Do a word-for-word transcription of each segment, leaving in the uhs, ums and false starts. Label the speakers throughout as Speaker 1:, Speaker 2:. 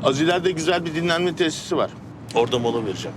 Speaker 1: Az ileride güzel bir dinlenme tesisi var. Orada mola vereceğim.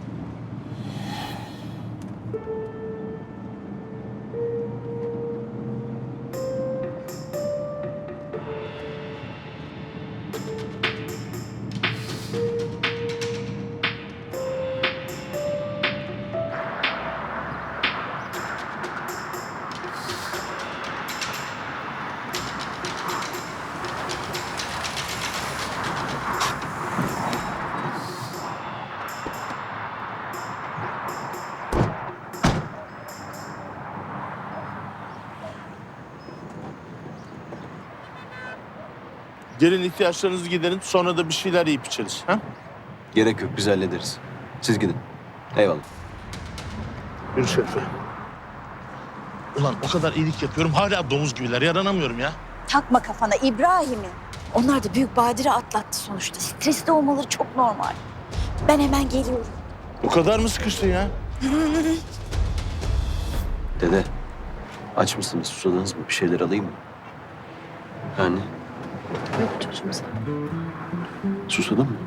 Speaker 1: Gelin ihtiyaçlarınızı giderin, sonra da bir şeyler yiyip içeriz. Ha?
Speaker 2: Gerek yok, biz hallederiz. Siz gidin. Eyvallah.
Speaker 1: Yürü Şerife. Ulan o kadar iyilik yapıyorum, hala domuz gibiler. Yaranamıyorum ya.
Speaker 3: Takma kafana İbrahim'i. Onlar da büyük badire atlattı sonuçta. Stresli olmaları çok normal. Ben hemen geliyorum.
Speaker 1: O kadar mı sıkıştın ya?
Speaker 2: Dede, aç mısınız, susadınız mı? Bir şeyler alayım mı? Anne,
Speaker 3: Yok çocuğum sen.
Speaker 2: susadın mı?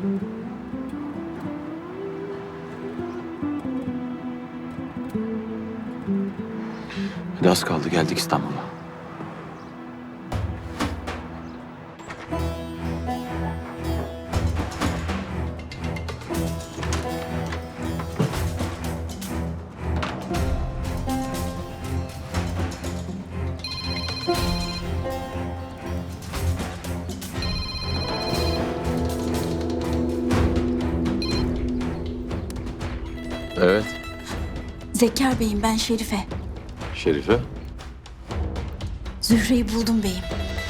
Speaker 2: Hadi az kaldı, geldik İstanbul'a.
Speaker 4: Evet.
Speaker 3: Zekkar Bey'im, ben Şerife.
Speaker 4: Şerife.
Speaker 3: Zühre'yi buldum beyim.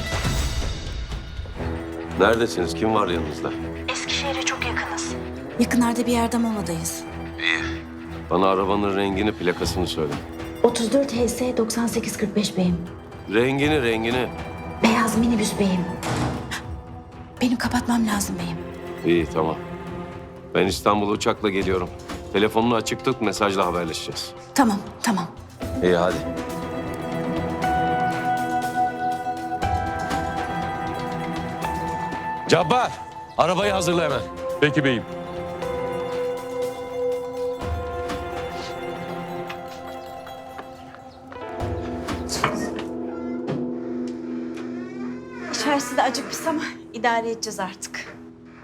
Speaker 4: Neredesiniz? Kim var yanınızda?
Speaker 3: Eskişehir'e çok yakınız. Yakınlarda bir yerde moladayız.
Speaker 4: Bana arabanın rengini, plakasını söyle.
Speaker 3: otuz dört H S doksan sekiz kırk beş beyim.
Speaker 4: Rengini, rengini.
Speaker 3: Beyaz minibüs beyim. Benim kapatmam lazım beyim.
Speaker 4: İyi, tamam. Ben İstanbul'a uçakla geliyorum. Telefonunu açık tut, mesajla haberleşeceğiz.
Speaker 3: Tamam, tamam.
Speaker 4: İyi, hadi. Cabbar, arabayı hazırla hemen.
Speaker 5: Peki beyim.
Speaker 3: İçerisi de acıkmış ama idare edeceğiz artık.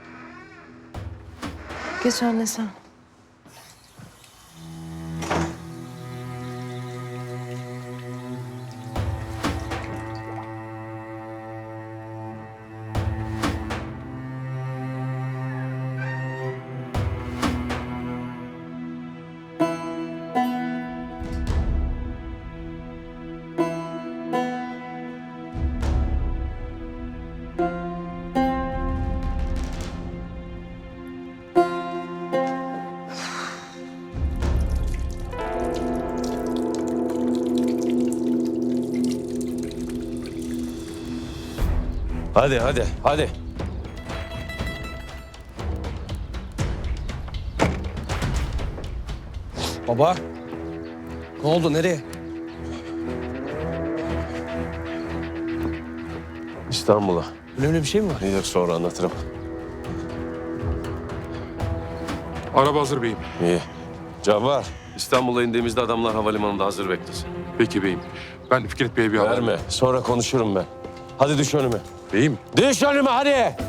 Speaker 6: Geç anne sen.
Speaker 4: Hadi, hadi, hadi.
Speaker 7: Baba. Ne oldu? Nereye?
Speaker 4: İstanbul'a.
Speaker 7: Önemli bir şey mi var?
Speaker 4: Yok, sonra anlatırım.
Speaker 5: Araba hazır beyim.
Speaker 4: İyi. Cabbar, İstanbul'a indiğimizde adamlar havalimanında hazır beklesin.
Speaker 5: Peki beyim. Ben Fikret Bey'e bir haber...
Speaker 4: Verme, sonra konuşurum ben. Hadi düş önüme.
Speaker 5: Beyim.
Speaker 4: Düş önüme, hadi!